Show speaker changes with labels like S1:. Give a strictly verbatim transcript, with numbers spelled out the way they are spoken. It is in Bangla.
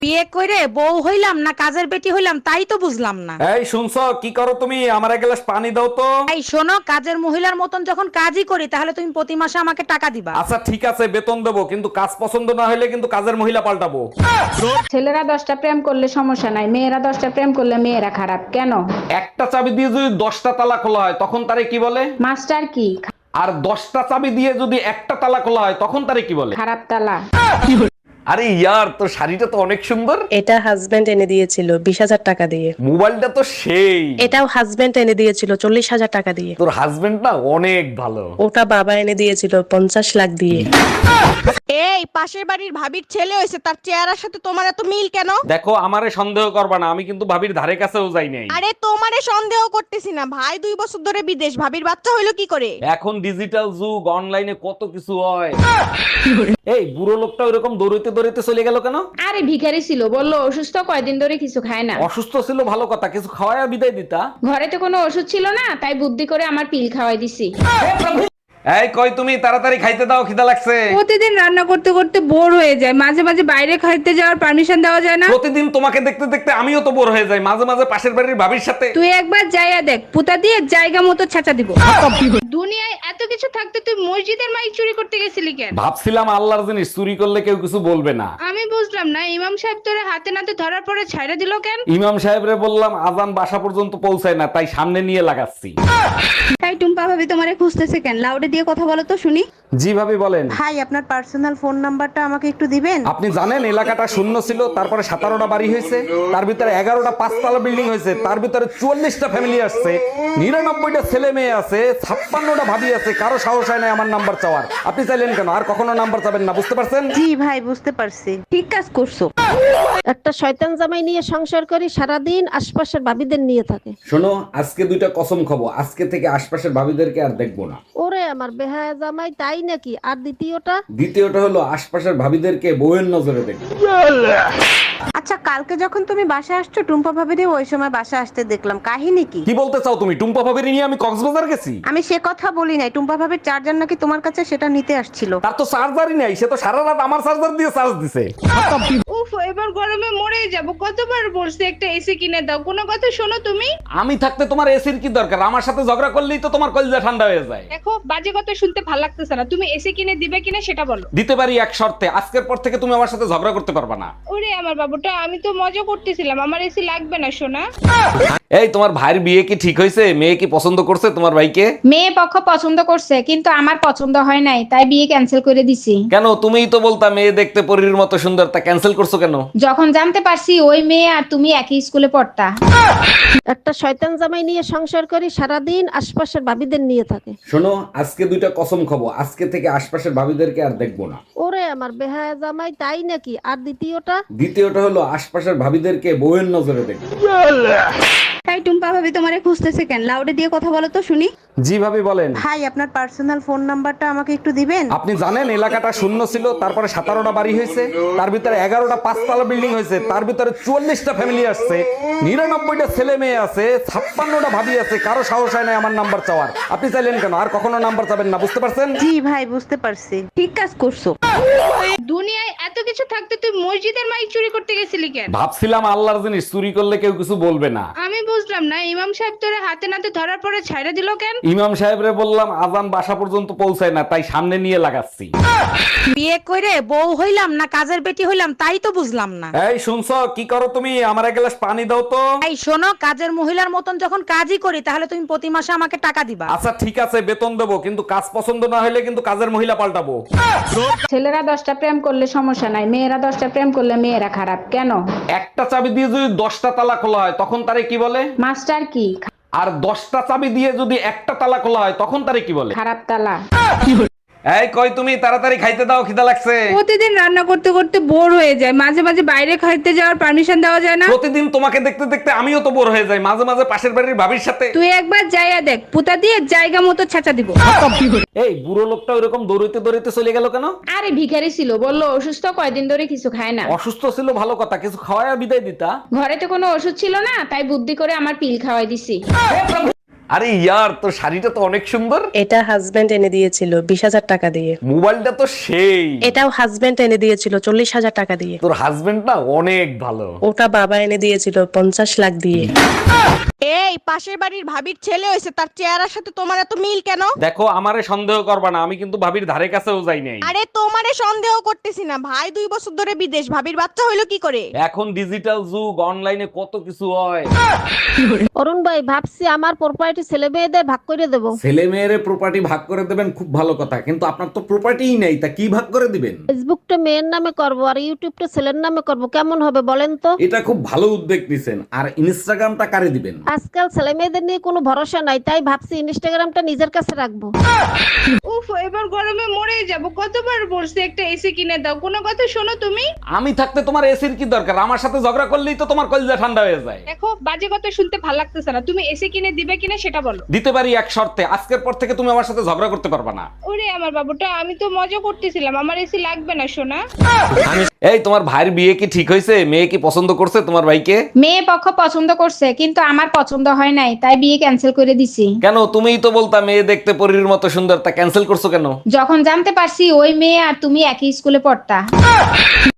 S1: বিয়ে করে বউ হইলাম না কাজের বেটি হইলাম তাই তো বুঝলাম না।
S2: এই শুনছো কি করো তুমি? আমার এক গ্লাস পানি দাও তো।
S1: এই শোনো, কাজের মহিলার মতন যখন কাজই করি তাহলে তুমি প্রতি মাসে আমাকে টাকা দিবা।
S2: আচ্ছা ঠিক আছে, বেতন দেবো, কিন্তু কাজ পছন্দ না হলে কিন্তু কাজের মহিলা পাল্টাবো।
S3: ছেলেরা দশটা প্রেম করলে সমস্যা নাই, মেয়েরা দশটা প্রেম করলে মেয়েরা খারাপ কেন?
S2: একটা চাবি দিয়ে যদি দশটা তালা খোলা হয় তখন তারে কি বলে?
S3: মাস্টার কি?
S2: আর দশটা চাবি দিয়ে যদি একটা তালা খোলা হয় তখন তারে কি বলে?
S3: খারাপ তালা।
S2: আরে ইয়ার, তোর শাড়িটা তো অনেক সুন্দর।
S4: এটা হাজবেন্ড এনে দিয়েছিল বিশ হাজার টাকা দিয়ে।
S2: মোবাইলটা তো সেই।
S4: এটাও হাজবেন্ড এনে দিয়েছিল চল্লিশ হাজার টাকা দিয়ে।
S2: তোর হাজবেন্ড না অনেক ভালো।
S4: ওটা বাবা এনে দিয়েছিল পঞ্চাশ লাখ দিয়ে।
S5: এই পাশের বাড়ির ভাবির ছেলে হয়েছে, তার চেহারার সাথে তোমার এত মিল কেন?
S2: দেখো, আমারে সন্দেহ করবা না, আমি কিন্তু ভাবির ধারে কাছেও যাই নাই।
S5: আরে তোমারে সন্দেহ করতেছি না, ভাই দুই বছর ধরে বিদেশ, ভাবির বাচ্চা হইলো কি করে?
S2: এখন ডিজিটাল যুগ, অনলাইনে কত কিছু হয়। এই বুড়ো লোকটা ওইরকম দৌড়াইতে দৌড়াইতে চলে গেল কেন?
S3: আরে ভিখারি ছিল, বললো অসুস্থ, কয়দিন ধরে কিছু খায় না।
S2: অসুস্থ ছিল ভালো কথা, কিছু খাওয়ায় বিদায় দিতা।
S3: ঘরে তো কোনো ওষুধ ছিল না, তাই বুদ্ধি করে আমার পিল খাওয়াই দিছি।
S2: এই কই তুমি, তাড়াতাড়ি খাইতে দাও, খিদা লাগছে।
S6: প্রতিদিন রান্না করতে করতে বোর হয়ে যায়, মাঝে মাঝে বাইরে খাইতে যাওয়ার পারমিশন দেওয়া যায় না?
S2: প্রতিদিন তোমাকে দেখতে দেখতে আমিও তো বোর হয়ে যাই, মাঝে মাঝে পাশের বাড়ির ভাবির সাথে।
S6: তুই একবার যাইয়া দেখ, পুতা দিয়ে জায়গা মতো ছাঁচা দিব। দুনিয়ায় এত কিছু থাকতে তুই মসজিদের মাইক চুরি করতে গেছিলি কেন?
S2: ভাবছিলাম আল্লাহর জিনিস চুরি করলে কেউ কিছু বলবে না।
S6: আমি বুঝলাম না, ইমাম সাহেব তোরে হাতে নাতে ধরার পরে ছাইড়া দিল কেন?
S2: ইমাম সাহেবরে বললাম আজান বাসা পর্যন্ত পৌঁছায় না, তাই সামনে নিয়ে লাগাচ্ছি।
S6: তাই টুম্পা ভাবি তোমারে খুঁজতেছে কেন? লাউডে দিয়ে কথা বলো তো শুনি।
S2: জি ভাবি বলেন।
S5: ভাই আপনার পার্সোনাল ফোন নাম্বারটা আমাকে একটু দিবেন?
S2: আপনি জানেন এলাকাটা শূন্য ছিল, তারপরে সতেরোটা বাড়ি হয়েছে, তার ভিতরে এগারোটা পাঁচতলা বিল্ডিং হয়েছে, তার ভিতরে চুয়াল্লিশটা ফ্যামিলি আসছে, নিরানব্বইটা ছেলে মেয়ে আছে, ছাপ্পান্নটা ভাবি আছে, কারো সাহস হয় না আমার নাম্বার চাওয়ার। আপনি চাইলেন কেন? আর কখনো নাম্বার চাবেন না, বুঝতে পারছেন?
S5: জি ভাই বুঝতে পারছি।
S6: ঠিক কাজ করছো।
S7: একটা শয়তান জামাই নিয়ে সংসার করি, সারাদিন আশপাশের ভাবিদের নিয়ে থাকে।
S2: শোনো, আজকে দুইটা কসম খাবো, আজকে থেকে আশপাশের ভাবিদেরকে আর দেখবো না।
S7: ওরে আমার বেহায়া জামাই, তাই নাকি? আর দ্বিতীয়টা?
S2: দ্বিতীয়টা হলো আশপাশের ভাবিদেরকে বউয়ের নজরে দেখবো।
S5: আচ্ছা কালকে যখন তুমি বাসা আসছো, টুম্পা ভাবিরে ওই সময় বাসা আসতে দেখলাম, কাহিনী কি?
S2: কি বলতে চাও তুমি? টুম্পা ভাবির নিয়ে আমি কক্সবাজার গেছি?
S5: আমি সে কথা বলি নাই, টুম্পা ভাবির চার্জার নাকি তোমার কাছে, সেটা নিতে আসছিল।
S2: তার তো চার্জারই নাই, সে তো সারা রাত আমার চার্জার দিয়ে চার্জ দিছে।
S6: উফ, এবার গরমে মরে যাব। কতবার বলছি একটা এসি কিনে দাও, কোনো কথা শোনো তুমি?
S2: আমি থাকতে তোমার এসির কি দরকার? আমার সাথে ঝগড়া করলেই তো তোমার কলিজা ঠান্ডা হয়ে যায়।
S6: দেখো, বাজে কথা শুনতে ভালো লাগতেছে না। তুমি এসি কিনে দিবে কিনা সেটা বলো।
S2: দিতে পারি এক শর্তে, আজকের পর থেকে তুমি আমার সাথে ঝগড়া করতে পারবা না।
S6: ওরে আমার বাবুটা, আমি তো মজা করতেছিলাম, আমার এসি লাগবে না সোনা।
S2: এই তোমার ভাইয়ের বিয়ে কি ঠিক হয়েছে? মেয়ে কি পছন্দ করছে তোমার ভাইকে?
S3: মেয়ে পক্ষ পছন্দ করছে, কিন্তু আমার পছন্দ হয় নাই, তাই বিয়ে ক্যান্সেল করে দিছি।
S2: কেন? তুমিই তো বলতা মেয়ে দেখতে পরীর মতো সুন্দর, তা ক্যান্সেল করছো কেন?
S3: যখন জানতে পারছি ওই মেয়ে আর তুমি একই স্কুলে পড়তা।
S7: একটা শয়তান জামাই নিয়ে সংসার করি, সারাদিন আশপাশের ভাবিদের নিয়ে থাকে।
S2: শোনো, আজকে দুইটা কসম খাবো, আজকে থেকে আশপাশের ভাবিদেরকে আর দেখবো না।
S7: ওরে আমার বেহায়া জামাই, তাই নাকি? আর দ্বিতীয়টা?
S2: দ্বিতীয়টা হলো আশপাশের ভাবিদেরকে বউয়ের নজরে দেখবো।
S6: তাই টুম্পা ভাবি তোমারে খুঁজতেছে কেন? লাউডে দিয়ে কথা বলো তো শুনি।
S2: জি ভাবি বলেন।
S5: ভাই আপনার পার্সোনাল ফোন নাম্বারটা আমাকে একটু দিবেন?
S2: আপনি জানেন এলাকাটা শূন্য ছিল, তারপরে সতেরোটা বাড়ি হয়েছে, তার ভিতরে এগারোটা পাঁচতলা বিল্ডিং হয়েছে, তার ভিতরে চুয়াল্লিশটা ফ্যামিলি আসছে, নিরানব্বইটা ছেলে মেয়ে আছে, ছাপ্পান্নটা ভাবি আছে, কারো সাহস হয় না আমার নাম্বার চাওয়ার। আপনি চাইলেন কেন? আর কখনো নাম্বার চাবেন না, বুঝতে পারছেন?
S5: জি ভাই বুঝতে পারছি।
S6: ঠিক কাজ করছো। দুনিয়ায় এত কিছু থাকতে তুই মসজিদের মাইক চুরি করতে গেছিলি কেন?
S2: ভাবছিলাম আল্লাহর জিনিস চুরি করলে কেউ কিছু বলবে না।
S6: আমি বুঝলাম না, ইমাম সাহেব তোরে হাতে নাতে ধরার পরে ছাইড়া দিল কেন?
S2: ইমাম সাহেবরে বললাম আজান বাসা পর্যন্ত পৌঁছায় না, তাই সামনে নিয়ে লাগাচ্ছি।
S1: বিয়ে করে বউ হইলাম না কাজের বেটি হইলাম তাই তো বুঝলাম না।
S2: এই শুনছো কি করো তুমি? আমার এক গ্লাস পানি দাও তো।
S1: এই শোনো, কাজের মহিলার মতন যখন কাজই করি তাহলে তুমি প্রতি মাসে আমাকে টাকা দিবা।
S2: আচ্ছা ঠিক আছে, বেতন দেবো, কিন্তু কাজ পছন্দ না হলে কিন্তু কাজের মহিলা পাল্টাবো।
S3: ছেলেরা দশটা প্রেম করলে সমস্যা নাই, মেয়েরা দশটা প্রেম করলে মেয়েরা খারাপ কেন?
S2: একটা চাবি দিয়ে যদি দশটা তালা খোলা হয় তখন তারে কি বলে?
S3: মাস্টার কি?
S2: আর দশটা চাবি দিয়ে যদি একটা তালা খোলা হয় তখন তারে কি বলে?
S3: খারাপ তালা।
S2: এই কই তুমি, তাড়াতাড়ি খাইতে দাও, খিদা লাগছে।
S6: প্রতিদিন রান্না করতে করতে বোর হয়ে যায়, মাঝে মাঝে বাইরে খাইতে যাওয়ার পারমিশন দেওয়া যায় না?
S2: প্রতিদিন তোমাকে দেখতে দেখতে আমিও তো বোর হয়ে যাই, মাঝে মাঝে পাশের বাড়ির ভাবির সাথে।
S6: তুই একবার যাইয়া দেখ, পুতা দিয়ে জায়গা মতো ছাঁচা দিব।
S2: এই বুড়ো লোকটা ওইরকম দৌড়াইতে দৌড়াইতে চলে গেল কেন?
S3: আরে ভিখারি ছিল, বললো অসুস্থ, কয়দিন ধরে কিছু খায় না।
S2: অসুস্থ ছিল ভালো কথা, কিছু খাওয়ায় বিদায় দিতা।
S3: ঘরে তো কোনো ওষুধ ছিল না, তাই বুদ্ধি করে আমার পিল খাওয়াই দিছি।
S2: আরে ইয়ার, তোর শাড়িটা তো অনেক সুন্দর।
S4: এটা হাজবেন্ড এনে দিয়েছিল বিশ হাজার টাকা দিয়ে।
S2: মোবাইলটা তো সেই।
S4: এটাও হাজবেন্ড এনে দিয়েছিল চল্লিশ হাজার টাকা দিয়ে।
S2: তোর হাজবেন্ড না অনেক ভালো।
S4: ওটা বাবা এনে দিয়েছিল পঞ্চাশ লাখ দিয়ে।
S5: এই পাশের বাড়ির ভাবির ছেলে হয়েছে, তার চেহারার সাথে তোমার এত মিল কেন?
S2: দেখো, আমারে সন্দেহ করবা না, আমি কিন্তু ভাবির ধারে কাছেও যাই নাই।
S5: আরে তোমারে সন্দেহ করতেছি না, ভাই দুই বছর ধরে বিদেশ, ভাবির বাচ্চা হইলো কি করে?
S2: এখন ডিজিটাল যুগ, অনলাইনে কত কিছু হয়।
S7: অরুণ ভাই ভাবছি আমার প্রপার্টি ছেলে মেয়েদের ভাগ করে দেবো।
S2: ছেলে মেয়ের প্রপার্টি ভাগ করে দেবেন, খুব ভালো কথা, কিন্তু আপনার তো প্রপার্টিই নেই, তা কি ভাগ করে দিবেন?
S7: ফেসবুকটা মেয়ের নামে করব আর ইউটিউবটা ছেলের নামে করব, কেমন হবে বলেন তো?
S2: এটা খুব ভালো উদ্যোগ নিছেন। আর ইনস্টাগ্রামটা কারে দিবেন?
S7: আজকাল ছেলে মেয়েদের নিয়ে কোনো ভরসা নাই, তাই ভাবছি ইনস্টাগ্রামটা নিজের কাছে রাখবো।
S6: উফ, এবার গরমে মরে যাব। কতবার বলছি একটা এসি কিনে দাও, কোনো কথা শোনো তুমি?
S2: আমি থাকতে তোমার এসির কি দরকার? আমার সাথে ঝগড়া করলেই তো তোমার কলিজা ঠান্ডা হয়ে যায়।
S6: দেখো, বাজে কথা শুনতে ভালো লাগতেছে না। তুমি এসি কিনে দিবে কিনা সেটা বলো।
S2: দিতে পারি এক শর্তে, আজকের পর থেকে তুমি আমার সাথে ঝগড়া করতে পারবা না।
S6: ওরে আমার বাবুটা, আমি তো মজা করতেছিলাম। আমার এসি লাগবে না সোনা।
S2: এই, তোমার ভাইয়ের বিয়ে কি ঠিক হয়েছে? মেয়ে কি পছন্দ করছে তোমার ভাইকে?
S3: মেয়ে পক্ষ পছন্দ করছে, কিন্তু আমার পছন্দ হয় নাই, তাই বিয়ে ক্যান্সেল করে দিছি।
S2: কেন? তুমিই তো বলতা মেয়ে দেখতে পরীর মতো সুন্দর, তা ক্যান্সেল করছো কেন?
S3: যখন জানতে পারছি ওই মেয়ে আর তুমি একই স্কুলে পড়তা।